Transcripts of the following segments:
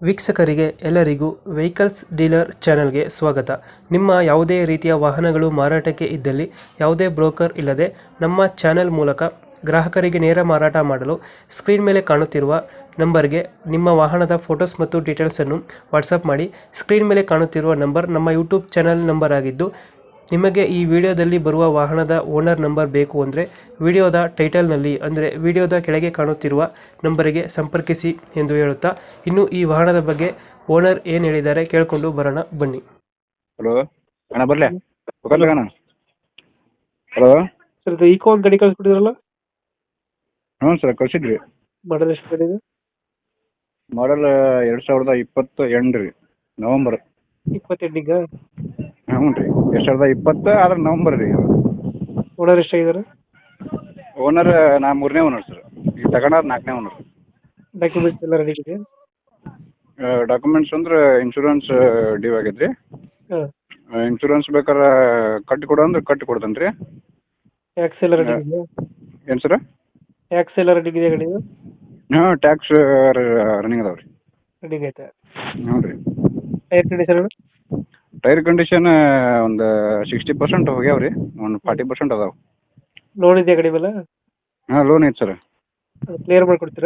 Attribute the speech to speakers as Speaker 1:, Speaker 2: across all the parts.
Speaker 1: ವೀಕ್ಷಕರಿಗೆ ಎಲ್ಲರಿಗೂ vehicles dealer ಚಾನೆಲ್ಗೆ ಸ್ವಾಗತ. ನಿಮ್ಮ ಯಾವುದೇ ರೀತಿಯ ವಾಹನಗಳು ಮಾರಾಟಕ್ಕೆ ಇದ್ದಲ್ಲಿ ಯಾವುದೇ ಬ್ರೋಕರ್ ಇಲ್ಲದೆ ನಮ್ಮ ಚಾನೆಲ್ ಮೂಲಕ ಗ್ರಾಹಕರಿಗೆ ನೇರ ಮಾರಾಟ ಮಾಡಲು ಸ್ಕ್ರೀನ್ ಮೇಲೆ ಕಾಣುತ್ತಿರುವ ನಂಬರ್ಗೆ ನಿಮ್ಮ ವಾಹನದ ಫೋಟೋಸ್ ಮತ್ತು ಡೀಟೇಲ್ಸನ್ನು ವಾಟ್ಸಪ್ ಮಾಡಿ. ಸ್ಕ್ರೀನ್ ಮೇಲೆ ಕಾಣುತ್ತಿರುವ ನಂಬರ್ ನಮ್ಮ ಯೂಟ್ಯೂಬ್ ಚಾನೆಲ್ ನಂಬರ್ ಆಗಿದ್ದು, ನಿಮಗೆ ಈ ವಿಡಿಯೋದಲ್ಲಿ ಬರುವ ವಾಹನದ ಓನರ್ ನಂಬರ್ ಬೇಕು ಅಂದರೆ ವಿಡಿಯೋದ ಟೈಟಲ್ನಲ್ಲಿ ಅಂದರೆ ವಿಡಿಯೋದ ಕೆಳಗೆ ಕಾಣುತ್ತಿರುವ ನಂಬರಿಗೆ ಸಂಪರ್ಕಿಸಿ ಎಂದು ಹೇಳುತ್ತಾ, ಇನ್ನು ಈ ವಾಹನದ ಬಗ್ಗೆ ಓನರ್ ಏನು ಹೇಳಿದ್ದಾರೆ ಕೇಳಿಕೊಂಡು ಬರೋಣ ಬನ್ನಿ.
Speaker 2: ಹಲೋ ಅಣ್ಣ ಬರಲೇ ಅಣ್ಣ. ಹಲೋ
Speaker 1: ಸರ್, ಇದು ಈಕೋ ಒಂದು ಗಾಡಿ ಕಳಿಸ್ಬಿಟ್ಟಿದ್ರಲ್ಲ,
Speaker 2: ಹ್ಞೂ ಸರ್ ಕಳಿಸಿದ್ರಿ.
Speaker 1: ಮಾಡಲ್ ಎಷ್ಟು ಗಾಡಿ ಇದೆ?
Speaker 2: ಮಾಡಲ್ 2028 ರೀ, ನವಂಬರ್.
Speaker 1: 28
Speaker 2: ಹ್ಞೂ ರೀ, 2020 ಆದ್ರೆ ನವಂಬರ್ ರೀ.
Speaker 1: ಓನರ್ ಎಷ್ಟಾಗಿದ್ದಾರೆ?
Speaker 2: ಓನರ್ ನಾ 3ನೇ ಓನರ್ ಸರ್. ಈಗ ತಗೊಂಡಾರ 4ನೇ ಓನರ್.
Speaker 1: ಡಾಕ್ಯುಮೆಂಟ್ಸ್ ಎಲ್ಲ ರೆಡಿ ಇದೆ?
Speaker 2: ಡಾಕ್ಯುಮೆಂಟ್ಸ್ ಅಂದ್ರೆ ಇನ್ಶೂರೆನ್ಸ್ ಡ್ಯೂ ಆಗೈತೆ ರೀ.
Speaker 1: ಹಾಂ.
Speaker 2: ಇನ್ಶೂರೆನ್ಸ್ ಬೇಕಾದ್ರೆ ಕಟ್ಟಿ ಕೊಡು ಅಂದ್ರೆ ಕಟ್ಟಿ ಕೊಡ್ತೇನೆ ರೀ.
Speaker 1: ಟ್ಯಾಕ್ಸ್ ಎಲ್ಲ ರೆಡಿ ಇದೆಯಾ?
Speaker 2: ಏನು ಸರ್?
Speaker 1: ಟ್ಯಾಕ್ಸ್ ಎಲ್ಲ ರೆಡಿ ಇದೆಯಾ ಗಾಡಿದು?
Speaker 2: ಹಾಂ, ಟ್ಯಾಕ್ಸ್ ರನ್ನಿಂಗ್ ಅದಾವೆ ರೀ.
Speaker 1: ರೆಡಿ ಐತೆ.
Speaker 2: ಹ್ಞೂ ರೀ.
Speaker 1: Tyre condition?
Speaker 2: ಟೈರ್ ಕಂಡೀಷನ್ ಒಂದು 60% ಹೋಗ್ಯಾವ ರೀ, ಒಂದು 40% ಅದಾವೆ.
Speaker 1: ಲೋನ್ ಇದೆಯಾ ಗಾಡಿ ಮೇಲೆ?
Speaker 2: ಹಾಂ, ಲೋನ್ ಐತೆ ಸರ್.
Speaker 1: ಅದು ಕ್ಲಿಯರ್ ಮಾಡಿಕೊಡ್ತೀರಾ?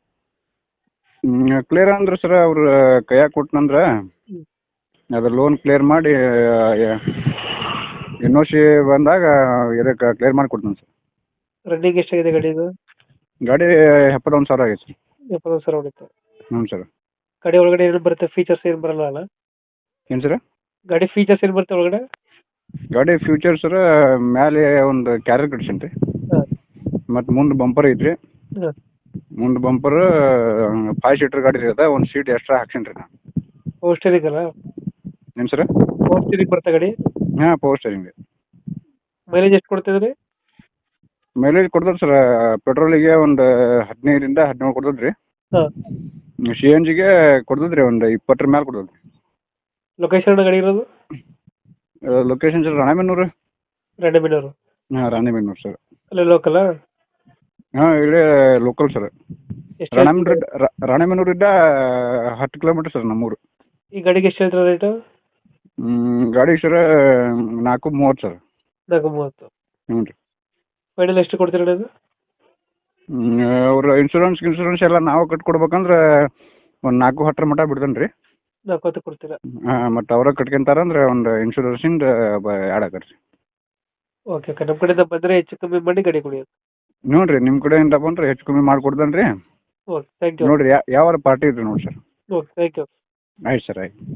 Speaker 2: ಕ್ಲಿಯರ್ ಅಂದ್ರೆ ಸರ್ ಅವ್ರು ಕೈಯಾಗ ಕೊಟ್ಟನಂದ್ರೆ ಅದು ಲೋನ್ ಕ್ಲಿಯರ್ ಮಾಡಿ ಎನ್ ಒ ಸಿ ಬಂದಾಗ ಇದಕ್ಕೆ ಕ್ಲಿಯರ್ ಮಾಡಿ ಕೊಡ್ತೀನಿ ಸರ್.
Speaker 1: ರನ್ನಿಂಗ್ ಎಷ್ಟಾಗಿದೆ ಗಾಡಿದು?
Speaker 2: ಗಾಡಿ 71,000 ಆಗೈತೆ ಸರ್.
Speaker 1: 70,000 ಹೊಡಿತು.
Speaker 2: ಹ್ಞೂ ಸರ್.
Speaker 1: ಗಾಡಿ ಒಳಗಡೆ ಏನು ಬರುತ್ತೆ? ಫೀಚರ್ಸ್ ಏನು ಬರಲ್ಲ ಅಲ್ಲ?
Speaker 2: ಏನು ಸರ್?
Speaker 1: ಗಾಡಿ ಫೀಚರ್ಸ್ ಏನು ಬರುತ್ತೆ ಒಳಗಡೆ?
Speaker 2: ಗಾಡಿ ಫ್ಯೂಚರ್ ಸರ್, ಮೇಲೆ ಒಂದು ಕ್ಯಾರಿಯರ್ ಕಟ್ಸೀನಿ ರೀ.
Speaker 1: ಹಾಂ.
Speaker 2: ಮತ್ತು ಮುಂದೆ ಬಂಪರ್ ಐತ್ರಿ.
Speaker 1: ಹಾಂ.
Speaker 2: ಮುಂದೆ ಬಂಪರ್ 5 ಸೀಟರ್ ಗಾಡಿ ಇರುತ್ತೆ, ಒಂದು ಸೀಟ್ ಎಕ್ಸ್ಟ್ರಾ ಹಾಕ್ಸೀನಿ ರೀ ನಾನು.
Speaker 1: ಪವರ್ ಸ್ಟೇರಿಂಗ್ ಅಲ್ಲ?
Speaker 2: ಏನು ಸರ್?
Speaker 1: ಪವರ್ ಸ್ಟೇರಿಂಗ್ ಬರುತ್ತೆ ಗಾಡಿ?
Speaker 2: ಹಾಂ, ಪವರ್ ಸ್ಟೇರಿಂಗ್ ರೀ.
Speaker 1: ಮೈಲೇಜ್ ಎಷ್ಟು ಕೊಡ್ತಿದ್ರಿ?
Speaker 2: ಮೈಲೇಜ್ ಕೊಡ್ತದೆ ಸರ್, ಪೆಟ್ರೋಲಿಗೆ ಒಂದು 15-17 ಕೊಡ್ತದೆ ರೀ.
Speaker 1: ಹಾಂ.
Speaker 2: ಸಿ ಎನ್ ಜಿಗೆ ಕೊಡ್ತದೆ ರೀ, ಒಂದು 20 ಮೇಲೆ ಕೊಡ್ತದೆ.
Speaker 1: ಲೊಕೇಶನ್ ಗಾಡಿ ಇರೋದು?
Speaker 2: Location sir Ranebennur.
Speaker 1: ರಾಣೆಬೆನ್ನೂರು?
Speaker 2: ಹಾಂ, ರಾಣೆಬೆನ್ನೂರು ಸರ್.
Speaker 1: ಅಲ್ಲೇ ಲೋಕಲ್?
Speaker 2: ಹಾಂ, ಇಲ್ಲೇ ಲೋಕಲ್ ಸರ್.
Speaker 1: ಎಷ್ಟು
Speaker 2: ರಾಣೆಬೆನ್ನೂರಿಂದ 10 ಕಿಲೋಮೀಟರ್ ಸರ್ ನಮ್ಮೂರು.
Speaker 1: ಈ ಗಾಡಿಗೆ ಎಷ್ಟು ಹೇಳ್ತಾರೆ ರೇಟು?
Speaker 2: ಗಾಡಿ ಸರ್ 430 ಸರ್.
Speaker 1: 430.
Speaker 2: ಹ್ಞೂ ರೀ.
Speaker 1: ಫೈನಲ್ ಎಷ್ಟು ಕೊಡ್ತೀರಾ ಇದು?
Speaker 2: ಅವ್ರು ಇನ್ಶೂರೆನ್ಸ್ ಎಲ್ಲ ನಾವು ಕಟ್ಕೊಡ್ಬೇಕಂದ್ರೆ ಒಂದು 4-10 ಮಟ್ಟ ಬಿಡ್ತೇನೆ ರೀ.
Speaker 1: 40 ಕೊಡ್ತೀರಾ?
Speaker 2: ಹಾಂ, ಮತ್ತು ಅವ್ರ ಕಟ್ಕೊಂತಾರಂದ್ರೆ ಒಂದು ಇನ್ಶೂರೆನ್ಸಿಂದ ಆ್ಯಡ್ ಆಗತ್ತೆ ರೀ.
Speaker 1: ಓಕೆ ಓಕೆ, ನಮ್ಮ ಕಡೆಯಿಂದ ಬಂದರೆ ಹೆಚ್ಚು ಕಮ್ಮಿ ಮಾಡಿ ಗಾಡಿ ಕೊಡಿ.
Speaker 2: ನೋಡಿರಿ, ನಿಮ್ಮ ಕಡೆಯಿಂದ ಬಂದರೆ ಹೆಚ್ಚು ಕಮ್ಮಿ ಮಾಡಿಕೊಡ್ತೇನೆ ರೀ.
Speaker 1: Okay, thank you.
Speaker 2: ನೋಡಿರಿ ಯಾವ ಪಾರ್ಟಿ ಇದ್ರಿ ನೋಡಿ ಸರ್.
Speaker 1: Okay, thank you.
Speaker 2: ಆಯ್ತು ಸರ್, ಆಯ್ತು.